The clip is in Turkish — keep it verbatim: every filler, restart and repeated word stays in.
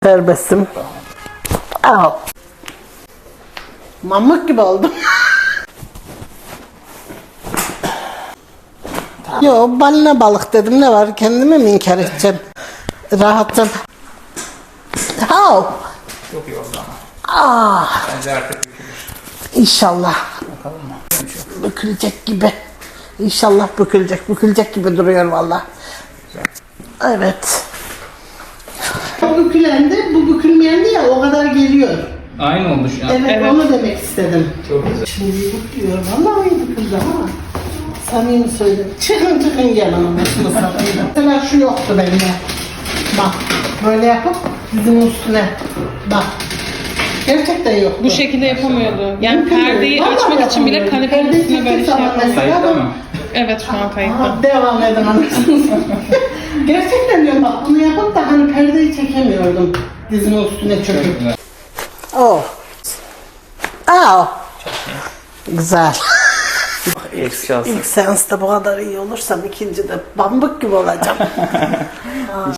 Serbestim. Al. Mamuk gibi oldum. Yo, balina balık dedim, ne var, kendime mi inkar edeceğim? Rahatım. Al. Çok iyi oldu ama. Ah. Bence artık bükülür. İnşallah. Bakalım mı? Bükülecek gibi. İnşallah bükülecek. Bükülecek gibi duruyor valla. Evet. O bükülendi, bu bükülmeyendi ya, o kadar geliyor. Aynı oldu şu an. Evet, Evet. onu demek istedim. Çok güzel. Şimdi büküyor, vallahi iyi büküldü ama. Samimi söyleyeyim. Çıkın çıkın gelin ama şunu satayım. Mesela şu yoktu bende. Bak, böyle yapıp dizinin üstüne. Bak. Gerçekten yoktu. Bu şekilde yapamıyordu. Yani Mümkün değil. perdeyi Vallahi açmak için bile yapamıyorum. kanepenin Perdeyi üstüne böyle çektiği şey zaman yapamıyordu. mesela Kayıtta ben- mı? Evet, şu an kayıtta. Aha, devam edin anasınız. Gerçekten diyorum, bak bunu yapıp da hani perdeyi çekemiyordum. Dizinin üstüne Çok çöküp. güzel. Oh. Oh. Güzel. İlk şansı. İlk seansta bu kadar iyi olursam ikinci de bambuk gibi olacağım.